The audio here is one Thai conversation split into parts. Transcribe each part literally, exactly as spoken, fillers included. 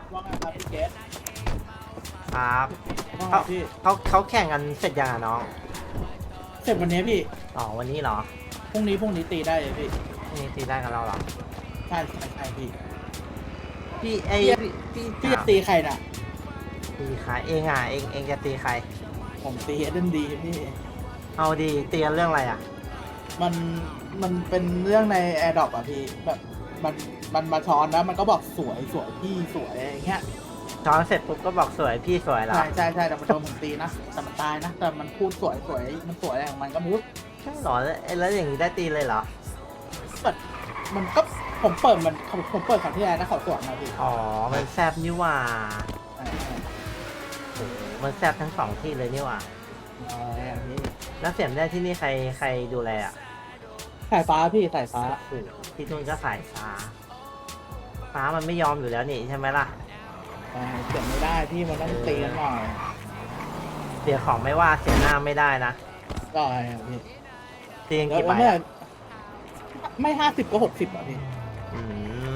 ว่าไงครับพี่เกสครับว่าไงเขาพี่เขาเขาแข่งกันเสร็จยังอ่ะน้องเสร็จวันนี้พี่อ๋อวันนี้เหรอพรุ่งนี้พรุ่งนี้ตีได้เลยพี่พรุ่งนี้ตีได้กันแล้วเหรอใช่ใช่ใช่พี่พี่ไอพี่พี่พี่พี่จะถามตีใครน่ะตีใครเองอ่ะเองเองจะตีใครผมตีเอเดนดีพี่เอาดีตีกันเรื่องอะไรอ่ะมันมันเป็นเรื่องในแอร์ดรอปอ่ะพี่แบบมันมันมาช้อนแล้วมันก็บอกสวยสวยพี่สวยอะไรอย่างเงี้ยช้อนเสร็จปุ๊บก็บอกสวยพี่สวยเหรอใช่ใช่ใช่แต่มันโดนผมตีนะแต่มันตายนะแต่มันพูดสวยสวยมันสวยอะไรของมันก็ไม่รู้ใช่เหรอแล้วแล้วอย่างนี้ได้ตีเลยเหรอแบบมันก็ผมเปิดมันผมผมเปิดครั้งที่แล้วนะเขาสวนมาพี่อ๋อมันแซบนี่หว่าใช่ใช่โอ้โหมันแซบทั้งสองที่เลยนี่หว่าอะไรอย่างนี้แล้วเสียมได้ที่นี่ใครใครดูแลอ่ะสายฟ้าพี่สายฟ้าโอ้โหที่นู่นก็สายฟ้าฟ้ามันไม่ยอมอยู่แล้วนี่ใช่ไหมล่ะเออเสียไม่ได้พี่มันต้องตีกันหน่อยเสียของไม่ว่าเสียหน้าไม่ได้นะก็อะไรอ่ะพี่ตีกันแล้วกี่ใบแล้วเมื่ออ่ะไม่ห้าสิบก็หกสิบอ่ะพี่อืม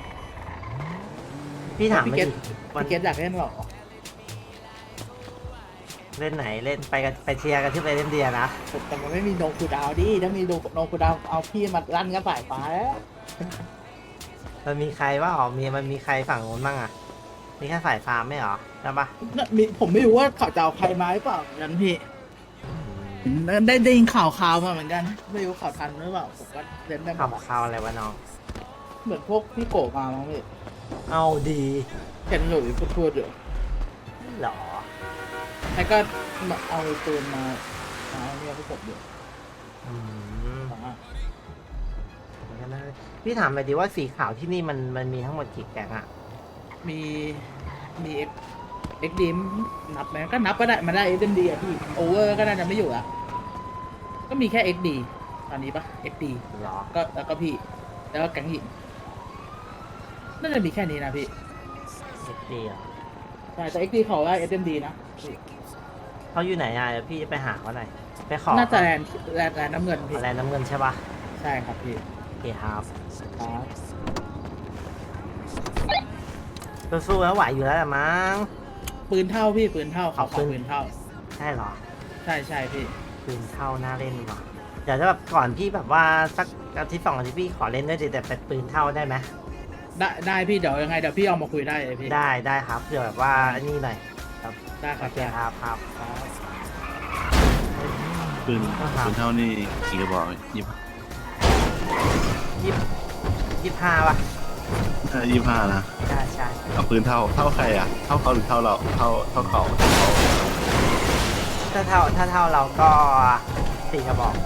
พี่ถามพี่มาเกตดิวันพี่เกตอยากเล่นหรอเล่นไหนเล่นไปกันไปเชียร์กันที่ไปเล่นเดียนะแต่มันไม่มีโนคูดาวดิถ้ามีโนโนคูดาวเอาพี่มาลั่นกับสายฟ้าแล้วมันมีใครว่าอ๋อมีมันมีใครฝั่งนู้นบ้างอ่ะมีแค่สายฟาร์มไม่เหรอใช่ปะน่ะมีผมไม่รู้ว่าเขาจะเอาใครมาหรือเปล่างั้นพี่ได้ได้ยินข่าวข่าวมาเหมือนกันไม่รู้ข่าวทันหรือเปล่าผมก็เล่นได้หมข่าวดอะข่าวอะไรวะน้องเหมือนพวกพี่โกะมามั้งพี่เอาดีเห็นหลุยพูดพูดอยู่เหรอแล้วก็มาเอาปืนมามาเนี่ยพวกผมอยู่อืมอ่าพี่ถามไปดิว่าสีขาวที่นี่มันมันมีทั้งหมดกี่แก๊งอ่ะมีมีเอ็กเอ็กดีมนับไหมก็นับก็ได้มาได้เอ็มดีอะพี่โอเวอร์ก็น่าจะไม่อยู่ละก็มีแค่เอ็กดีตอนนี้ปะเอ็กดีเหรอก็แล้วก็พี่ แล้วก็แก๊งหญิงน่าจะมีแค่นี้นะพี่เอ็กดีเหรอใช่แต่เอ็กดีเขาได้เอ็มดีนะพี่เขาอยู่ไหนอ่ะเดี๋ยวพี่จะไปหาเขาหน่อยไปขอน่าจะแลนด์แลนด์แลนด์น้ำเงินพี่อะไรน้ำเงินใช่ปะใช่ครับพี่โอเคครับครับสู้ๆแล้วไหวอยู่แล้วแหละมั้งปืนเท่าพี่ปืนเท่าเขาเอาขอปืนปืนเท่าใช่เหรอใช่ใช่พี่ปืนเท่าน่าเล่นว่ะเดี๋ยวจะแบบก่อนพี่แบบว่าสักอาทิตย์สองอาทิตย์พี่ขอเล่นด้วยดิแต่เป็นปืนเท่าได้ไหมได้ได้พี่เดี๋ยวยังไงเดี๋ยวพี่เอามาคุยได้เลยพี่ได้ได้ครับเผื่อแบบว่าอันนี่หน่อยครับได้คโอรับเคครับครับครับปืนครับปืนเท่านี่กี่กระบอกยี่สิบยี่ยี่ห้าป่ะยี่สิบห้านะใช่ใช่เอาปืนเท่าเท่าใครอ่ะ เท่าเขาหรือเท่าเรา เท่าเท่าเขาเท่าเขาถ้าเท่าถ้าเท่าเราก็สี่กระบอก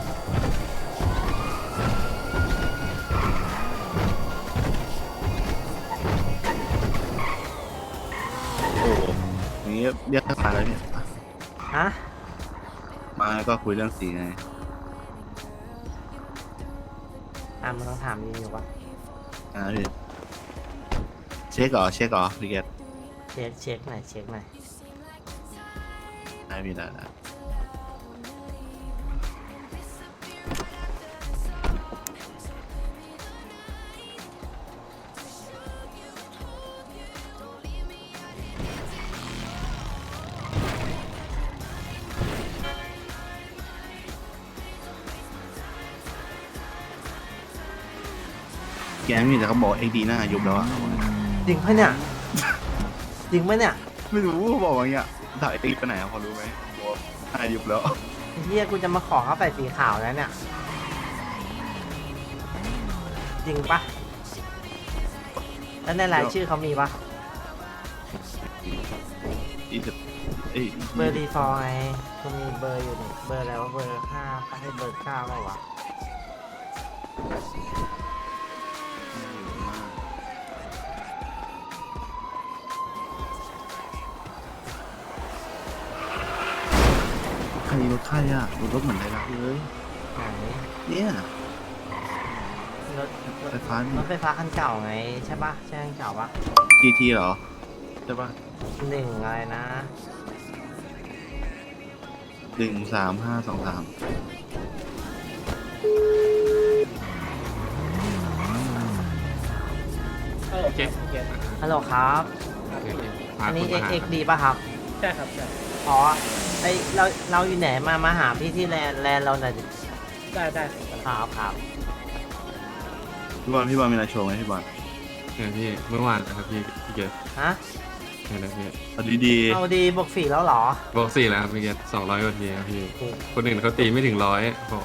โอ้โหอย่างนี้เรียกมาแล้วเนี่ยฮะมาแล้วก็คุยเรื่องสีไงอ่ะมันต้องถามนี่อยู่วะอ่าพี่เช็คเหรอ เช็คเหรอพี่เกตเช็คเช็คหน่อยเช็คหน่อยได้พี่ได้ได้แกมีแต่เขาบอกเอ็กดีหน้ายุบแล้วอ่ะจริงปะเนี่ยจริงปะเนี่ยไม่รู้เขาบอกว่าอย่างเงี้ยถ่ายเอ็กดีไปไหนอะพอรู้ไหมบอกว่าหน้ายุบแล้วเฮียกูจะมาขอเขาใส่สีขาวแล้วเนี่ยจริงปะแล้วในรายชื่อเขามีปะยี่สิบเอ้ยเบอร์ดีฟอร์ไงกูมีเบอร์อยู่นี่เบอร์อะไรวะเบอร์ห้าปะให้เบอร์เก้าเปล่าวะใครรถใครอ่ะรถรถเหมือนไรลักษณ์เลยไหนเนี่ยรถรถไฟฟ้ารถไฟฟ้าคันเก่าไงใช่ปะใช่คันเก่าปะจีทีเหรอใช่ปะหนึ่งอะไรนะหนึ่งสามห้าสองสามโอเคโอเคฮัลโหลครับครับเนี่ยพาอันคนี้นมาหาเอ็กดีป่ะครับใช่ครับใช่อ๋อไอเราเราอยู่ไหนมามาหาพี่ที่แลนด์แลนด์เราหน่อยดิได้ได้ครับครับครับพี่บอลพี่บอลมีอะไรโชว์ไหมพี่บอลเนี่ยพี่เมื่อวานนะครับพี่พี่เกศฮะเนี่ยนะพี่เอาดีเอาดีบวกฝีแล้วเหรอบอกสี่แล้วครับพี่เกศสองร้อยกว่าทีครับพี่ คนอื่นเขาตีไม่ถึงร้อยโอ้โห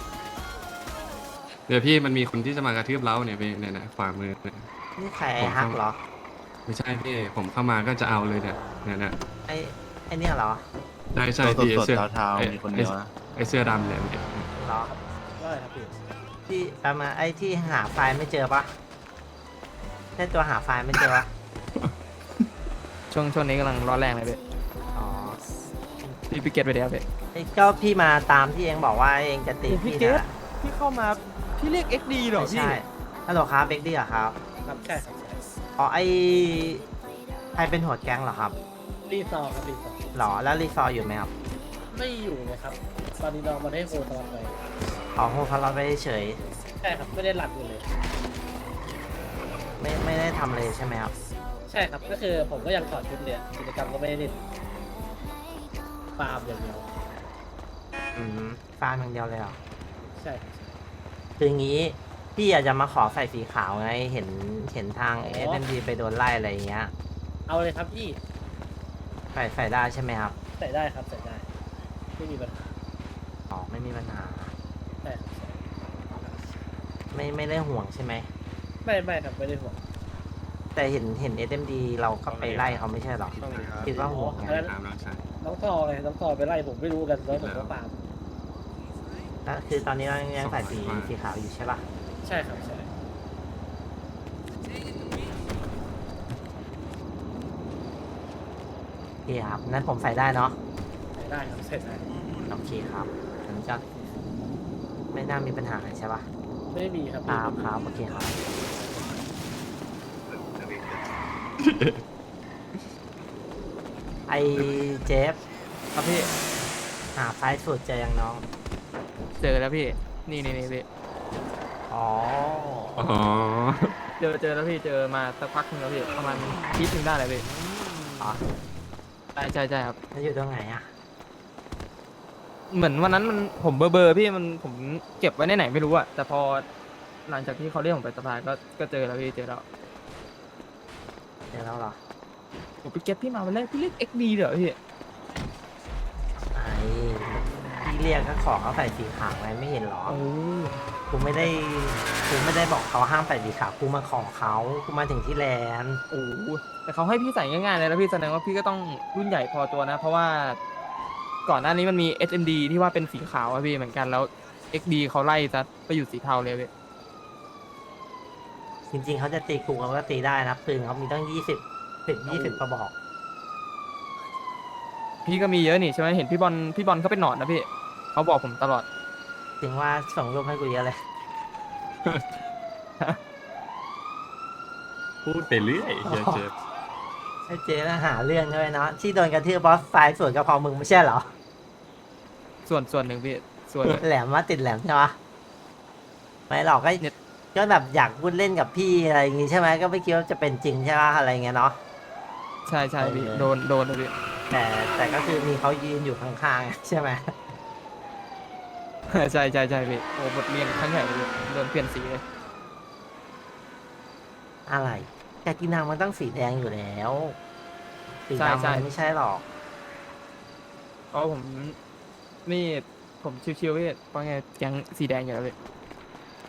เดี๋ยวพี่มันมีคนที่จะมากระทืบเล้าเนี่ยพี่เนี่ยนะขวามือเนี่ยนี่ใครไอ้ฮักเหรอไม่ใช่พี่ผมเข้ามาก็จะเอาเลยเนี่ยเนี่ยนะไอไอเนี่ยเหรอใช่ๆใช่ตัวพี่ไอ้สดเสื้อๆเท้าไอ้ๆมีคนเดียวนะไอ้เสื้อดำเนี่ยเหรอได้ครับพี่ที่เอามาไอที่หาไฟล์ไม่เจอปะใช่ตัวหาไฟล์ไม่เจอปะช่วงช่วงนี้กำลังร้อนแรงเลยพี่อ๋อพี่พิเกตไปเดี๋ยวพี่ไอ้ก็พี่มาตามที่เองบอกว่าเองจะตีโอ้พี่พี่เกนะต พี่เข้ามาพี่เรียก เอ็กซ์ ดี เหรอไม่พี่ใช่ฮัลโหลครับเบกดี้เหรอครับครับใช่ครับใช่อ๋อไอใครเป็นหัวแก๊งเหรอครับรีซอร์ครับรีซอร์หรอแล้วรีซอร์อยู่ไหมครับไม่อยู่เลยครับ ตอนนี้น้องมาได้โฮตลอดไปอ๋อโฮพารอดไปเฉยใช่ครับไม่ได้หลับอยู่เลยไม่ไม่ได้ทำเลยใช่ไหมครับใช่ครับก็คือผมก็ยังถอดชุดเลยกิจกรรมก็ไม่ได้เล่นฟาร์มอย่างเดียวอืมฟาร์มอย่างเดียวเลยเหรอใช่ครับคืองี้พี่อยากจะมาขอใส่สีขาวไงเห็นเห็นทางเออ๋อเอ็มดีไปโดนไล่อะไรอย่างเงี้ยเอาเลยครับพี่ใส่ใส่ได้ใช่ไหมครับใส่ได้ครับใส่ได้ไม่มีปัญหาอ๋อไม่มีปัญหาใช่ครับใช่ไม่ไม่ได้ห่วงใช่ไหมไม่ไม่ครับไม่ได้ห่วงแต่เห็นเห็นเอ็มดีเราก็ไปไล่เขาไม่ใช่หรอคิดว่าห่วงไงอันนั้นตามน้องชายน้องทอไงน้องทอไปไล่ผมไม่รู้กันแล้วผมก็ฟาร์มแล้วคือตอนนี้เรายังใส่สีสีขาวอยู่ใช่ปะใช่ครับใช่โอเคครับนั้นผมใส่ได้เนาะใส่ได้ครับใส่ได้โอเคครับอันนี้ก็ไม่น่ามีปัญหาใช่ปะไม่มีครับครับครับโอเคครับไอเจฟครับพี่หาไฟล์สุดเจอยังน้องเจอแล้วพี่ นี่นี่นี่พี่อ๋ออ๋อเจอเจอแล้วพี่ เจอมาสักพักหนึงแล้วพี่ ประมาณอาทิตย์หนึงได้เลยพี่อ๋อใช่ใช่ใช่ครับแล้วอยู่ตรงไหนอ่ะเหมือนวันนั้นมันผมเบอร์เบอร์พี่มันผมเก็บไว้ในไหนไม่รู้อะแต่พอหลังจากที่เขาเรียกผมไปสภาก็ก็เจอแล้วพี่เจอแล้วเดี๋ยวเราเหรอผมไปเก็บพี่มาวันแรกพี่เรียก เอ็กซ์ ดี เหรอพี่ไอ้พี่เรียกก็ขอเขาใส่สีขาวไว้ไม่เห็นหรอโอ้กูไม่ได้กูไม่ได้บอกเขาห้ามใส่สีขาวกูมาขอเขากูมาถึงที่แลนด์โหแต่เขาให้พี่ใส่ง่ายๆเลยแล้วพี่แสดงว่าพี่ก็ต้องรุ่นใหญ่พอตัวนะ เพราะว่าก่อนหน้านี้มันมี เอส เอ็ม ดี ที่ว่าเป็นสีขาวอะพี่เหมือนกันแล้ว เอ็กซ์ ดี เขาไล่ซะไปอยู่สีเทาเลยพี่จริงๆเขาจะตีกูเขาก็ตีได้นะปืนเขามีตั้งยี่สิบสิบยี่สิบกระบอกพี่ก็มีเยอะนี่ใช่ไหมเห็นพี่บอลพี่บอลเขาเป็นหนอนนะพี่เขาบอกผมตลอดถึงว่าส่งรูปให้กูเยอะเลยพูดไปเรื่อยเฮียเจฟไอ้เจ๊น่ะหาเรื่องด้วยเนาะที่โดนกระทืบบอสไฟล์ส่วนกระเพรามึงไม่ใช่เหรอส่วนส่วนหนึ่งพี่ส่วนแหลมมาติดแหลมใช่ปะไม่หรอกก็เนี่ยก็แบบอยากพูดเล่นกับพี่อะไรอย่างงี้ใช่ไหมก็ไม่คิดว่าจะเป็นจริงใช่ปะอะไรเงี้ยเนาะใช่ใช่พี่โดนโดนเลยพี่แต่แต่ก็คือมีเขายืนอยู่ข้างๆใช่ไหมใช่ใช่ใช่พี่โอ้บทเรียนครั้งใหญ่เลยพี่โดนเปลี่ยนสีเลยอะไรแต่กินนางมันต้องสีแดงอยู่แล้วสีดำมันไม่ใช่หรอกเพราะผมนี่ผมชิวๆพี่เพราะไงแก๊งสีแดงอยู่แล้วพี่